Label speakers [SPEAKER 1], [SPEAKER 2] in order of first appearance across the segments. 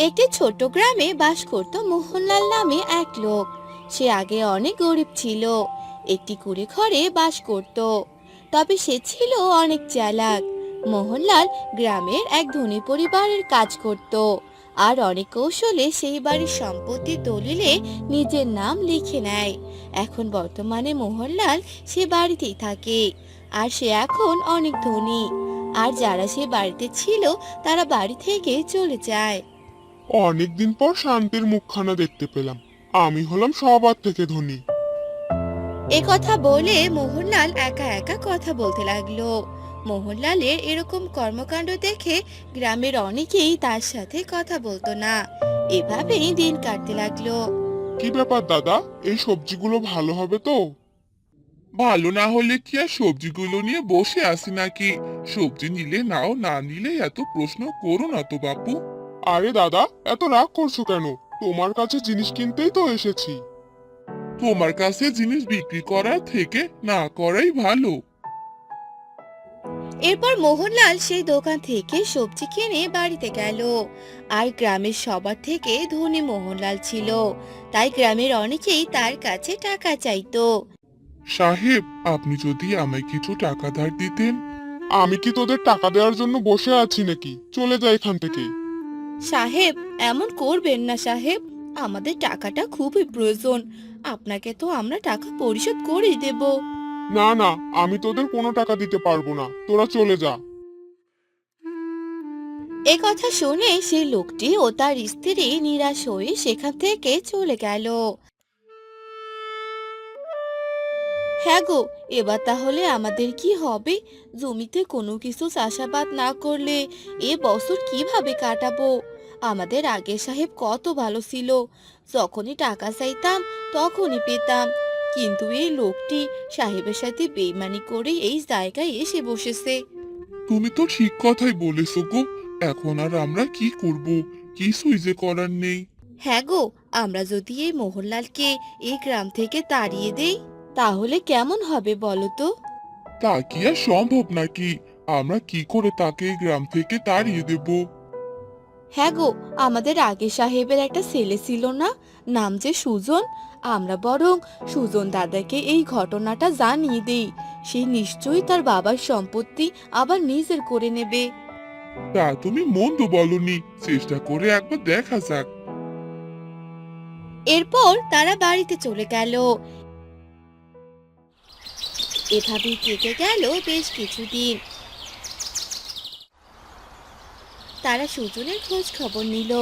[SPEAKER 1] একটি ছোট গ্রামে বাস করত মোহনলাল নামে এক লোক। সে আগে অনেক গরিব ছিল, একটি কুঁড়ে ঘরে বাস করত। তবে সে ছিল অনেক চালাক। মোহনলাল গ্রামের এক ধনী পরিবারের কাজ করত, আর অনেক কৌশলে সেই বাড়ির সম্পত্তির দলিলে নিজের নাম লিখে নেয়। এখন বর্তমানে মোহনলাল সে বাড়িতেই থাকে, আর সে এখন অনেক ধনী। আর যারা সে বাড়িতে ছিল তারা বাড়ি থেকে চলে যায়।
[SPEAKER 2] অনেকদিন পর শান্তির মুখখানা দেখতে পেলাম। আমি হলাম সবার থেকে ধনী।
[SPEAKER 1] এ কথা বলে মোহনলাল একা একা কথা বলতে লাগলো। মোহনলালের এরকম কর্মকাণ্ড দেখে গ্রামের অনেকেই তার সাথে কথা বলতো না। এভাবেই দিন কাটতে লাগলো।
[SPEAKER 2] কি ব্যাপার দাদা, এই সবজিগুলো ভালো হবে তো?
[SPEAKER 3] ভালো না হলে কি আর সবজিগুলো নিয়ে বসে আছি নাকি? সবজি নিলে নাও, না নিলে এত প্রশ্ন করো না তো বাপু।
[SPEAKER 2] আরে দাদা, এত রাগ করছো কেন? তোমার কাছে জিনিস কিনতেই তো এসেছি।
[SPEAKER 3] তোমার কাছে জিনিস বিক্রি করার থেকে না করাই ভালো।
[SPEAKER 1] এরপর মোহনলাল সেই দোকান থেকে সবজি কিনে বাড়িতে গেল। আর গ্রামের সবার থেকে ধনী মোহনলাল ছিল, তাই গ্রামের অনেকেই তার কাছে টাকা চাইতো।
[SPEAKER 3] সাহেব, আপনি যদি আমায় কিছু টাকা ধার দিতেন।
[SPEAKER 2] আমি কি তোদের টাকা দেওয়ার জন্য বসে আছি নাকি? চলে যা এখান থেকে।
[SPEAKER 1] সাহেব, এমন করবেন না সাহেব, আমাদের টাকাটা খুবই প্রয়োজন। আপনাকে তো আমরা টাকা পরিশোধ করেই দেব।
[SPEAKER 2] না না, আমি তোদের কোনো টাকা দিতে পারবো না, তোরা চলে যা।
[SPEAKER 1] এ কথা শুনে সেই লোকটি ও তার স্ত্রী নিরাশ হয়ে সেখান থেকে চলে গেল। হ্যাঁ গো, এবার তাহলে আমাদের কি হবে? জমিতে কোনো কিছু চাষাবাদ না করলে এ বছর কিভাবে কাটাবো? আমাদের আগের সাহেব কত ভালো ছিল, যখনই টাকা চাইতাম তখনই পেতাম। কিন্তু এই লোকটি সাহেবের সাথে বেইমানি করে এই জায়গায় এসে বসেছে।
[SPEAKER 3] তুমি তো ঠিক কথাই বলেছো গো। এখন আর আমরা কি করব? কিছুই যে করার নেই।
[SPEAKER 1] হ্যাঁ গো, আমরা যদি এই মোহনলালকে এই গ্রাম থেকে তাড়িয়ে দেই তাহলে কেমন হবে বলো তো?
[SPEAKER 3] তা কি আর সম্ভব নাকি? আমরা কি করে তাকে এই গ্রাম থেকে তাড়িয়ে দেব?
[SPEAKER 1] হ্যাঁ গো, আমাদের আগে সাহেবের একটা ছেলে ছিল না, নাম যে সুজন। আমরা বরং সুজন দাদাকে এই ঘটনাটা জানিয়ে দেই। সে নিশ্চয়ই তার বাবার সম্পত্তি আবার নিজের করে নেবে।
[SPEAKER 3] তা তুমি মন্দ বলনি, চেষ্টা করে একবার দেখা যাক।
[SPEAKER 1] এরপর তারা বাড়িতে চলে গেল। এভাবেই কেটে গেল বেশ কিছুদিন। তারা সুজনের খোঁজ খবর নিল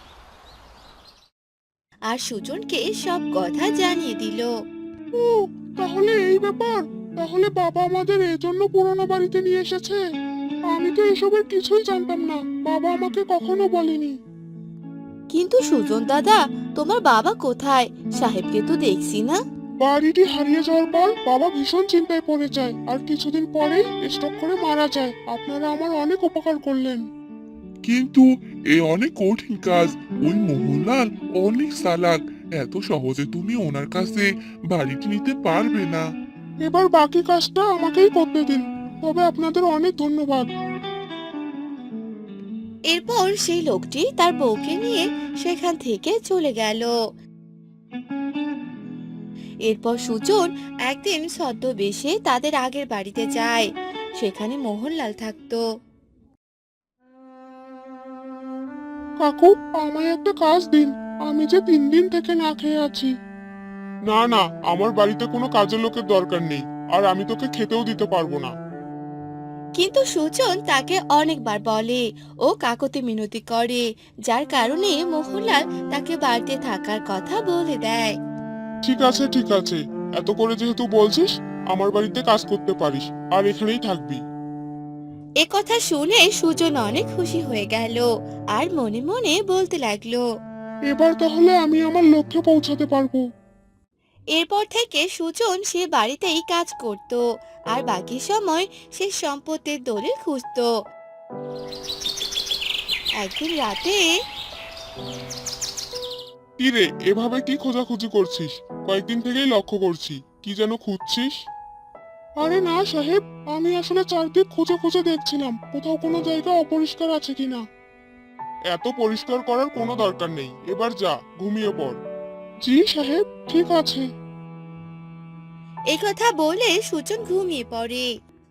[SPEAKER 1] আর সুজনকে সব কথা জানিয়ে দিল।
[SPEAKER 2] ও, তাহলে এই ব্যাপার। তাহলে বাবা আমাদের এই জন্য পুরোনো বাড়িতে নিয়ে এসেছে। আমি তো এসবের কিছুই জানতাম না, বাবা আমাকে কখনো বলেনি।
[SPEAKER 1] কিন্তু সুজন দাদা, তোমার বাবা কোথায়? সাহেবকে তো দেখছি না।
[SPEAKER 2] বাড়িটি হারিয়ে যাওয়ার পর বাবা ভীষণ চিন্তায় পড়ে যায়, আর কিছুদিন পরেই স্ট্রোক করে মারা যায়। আপনারা আমার অনেক উপকার করলেন।
[SPEAKER 3] কিন্তু এ অনেক কঠিন কাজ। ওই মোহনলাল অনেক চালাক। এত সহজে তুমি ওনার কাছে বাড়িটি নিতে পারবে না।
[SPEAKER 2] এবার বাকি কাজটা আমাকেই করতে দিন। তবে আপনাদের অনেক ধন্যবাদ।
[SPEAKER 1] এরপর সেই লোকটি তার বউকে নিয়ে সেখান থেকে চলে গেল। এরপর সুজন একদিন ছদ্মবেশে তাদের আগের বাড়িতে যায়। সেখানে মোহনলাল থাকতো।
[SPEAKER 2] কাকু, আমায় একটা কাজ দিন। আমি যে 3 দিন থেকে না খেয়ে আছি। না না, আমার বাড়িতে কোনো কাজের লোকের দরকার নেই, আর আমি তোকে খেতেও দিতে পারবো না।
[SPEAKER 1] কিন্তু সুজন তাকে অনেকবার বলে ও কাকতি মিনতি করে, যার কারণে মোহনলাল তাকে বাড়িতে থাকার কথা বলে দেয়।
[SPEAKER 2] ঠিক আছে ঠিক আছে, এত করে যেহেতু বলছিস, আমার বাড়িতে কাজ করতে পারিস, আর এখানেই থাকবি।
[SPEAKER 1] এ কথা শুনে সুজন অনেক খুশি হয়ে গেল আর মনে মনে বলতে লাগলো।
[SPEAKER 2] এবার তাহলে আমি আমার লক্ষ্যে পৌঁছাতে পারবো।
[SPEAKER 1] এরপর থেকে সুজন সে বাড়িতেই কাজ করত, আর বাকি সময় সে সম্পত্তির দলিল খুঁজতো। একদিন রাতে
[SPEAKER 2] কি রে, এভাবে কি খোঁজাখুঁজি করছিস? কয়েকদিন থেকেই লক্ষ্য করছি, কি যেন খুঁজছিস। আরে না সাহেব, আমি আসলে চারদিক খুঁজে খুঁজে দেখছিলাম কোথাও কোনো জায়গা অপরিষ্কার আছে কিনা। এত পরিষ্কার করার কোনো দরকার নেই, এবার যা ঘুমিয়ে পড়। জি সাহেব, ঠিক আছে।
[SPEAKER 1] এই কথা বলে সুজন ঘুমিয়ে পড়ে।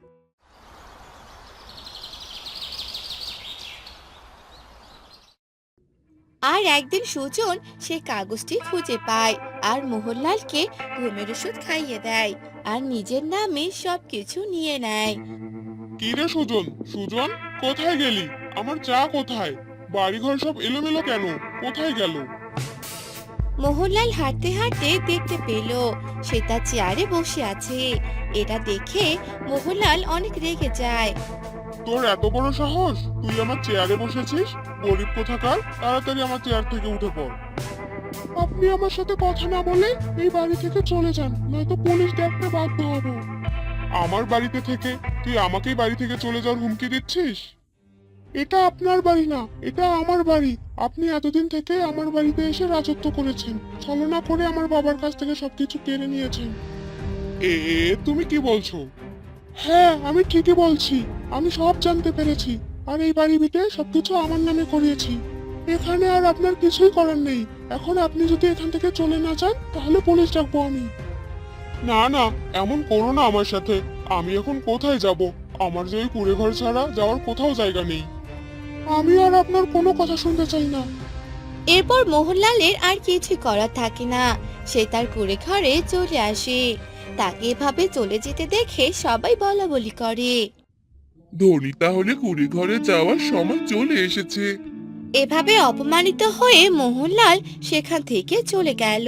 [SPEAKER 1] আর একদিন সুজন সে কাগজটি খুঁজে পায় আর মোহনলালকে ঘুমের ওষুধ খাইয়ে দেয় আর নিজের নামে সবকিছু নিয়ে নেয়।
[SPEAKER 2] কি রে সুজন, সুজন কোথায় গেলি? আমার চা কোথায়? বাড়িঘর সব এলোমেলো কেন? কোথায় গেল?
[SPEAKER 1] মোহনলাল হাঁটতে হাঁটতে দেখতে পেল সে তার চেয়ারে বসে আছে। এটা দেখে মোহনলাল অনেক রেগে যায়।
[SPEAKER 2] তোর এত বড় সাহস, তুই আমার চেয়ারে বসেছিস? গরিব কোথাকার, তাড়াতাড়ি আমার চেয়ার থেকে উঠে পড়। আপনি আমার সাথে কথা না বলে এই বাড়ি থেকে চলে যান, নয়তো পুলিশ ডাকতে বাধ্য হব। আমার বাড়িতে থেকে তুই আমাকেই বাড়ি থেকে চলে যাওয়ার হুমকি দিচ্ছিস? এটা আপনার বাড়ি না, এটা আমার বাড়ি। আপনি এতদিন থেকে আমার বাড়িতে এসে রাজত্ব করেছেন, ছলনা করে আমার বাবার কাছ থেকে সবকিছু কেড়ে নিয়েছেন। তুমি কি বলছো? হ্যাঁ, আমি ঠিকই বলছি। আমি সব জানতে পেরেছি, আর এই বাড়ি ভিটে সবকিছু আমার নামে করিয়েছি। এখানে আর আপনার কিছুই করার নেই। এখন আপনি যদি এখান থেকে চলে না যান, তাহলে পুলিশ ডাকবো আমি। না না, এমন করো না আমার সাথে। আমি এখন কোথায় যাব? আমার যে ওই কুড়ে ঘর ছাড়া যাওয়ার কোথাও জায়গা নেই। আমি আর আপনার কোনো কথা শুনতে চাই না।
[SPEAKER 1] এরপর মোহনলালের আর কিছু করার থাকে না, সে তার কুঁড়ে ঘরে চলে আসে। তাকে এভাবে চলে যেতে দেখে সবাই বলাবলি করে।
[SPEAKER 3] ধনী তাহলে কুড়ি ঘরে যাওয়ার সময় চলে এসেছে।
[SPEAKER 1] এভাবে অপমানিত হয়ে মোহনলাল সেখান থেকে চলে গেল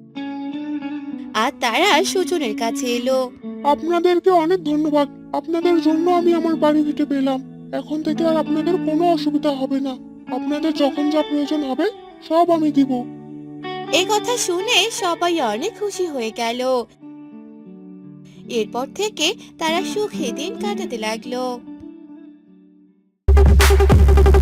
[SPEAKER 1] আর তারা সুজনের কাছে এলো।
[SPEAKER 2] আপনাদেরকে অনেক ধন্যবাদ। আপনাদের জন্য আমি আমার বাড়ি ভিটে পেলাম। এখন থেকে আর আপনাদের কোনো অসুবিধা হবে না। আপনাদের যখন যা প্রয়োজন হবে সব আমি দিব।
[SPEAKER 1] এই কথা শুনে সবাই অনেক খুশি হয়ে গেল। এরপর থেকে তারা সুখে দিন কাটাতে লাগলো।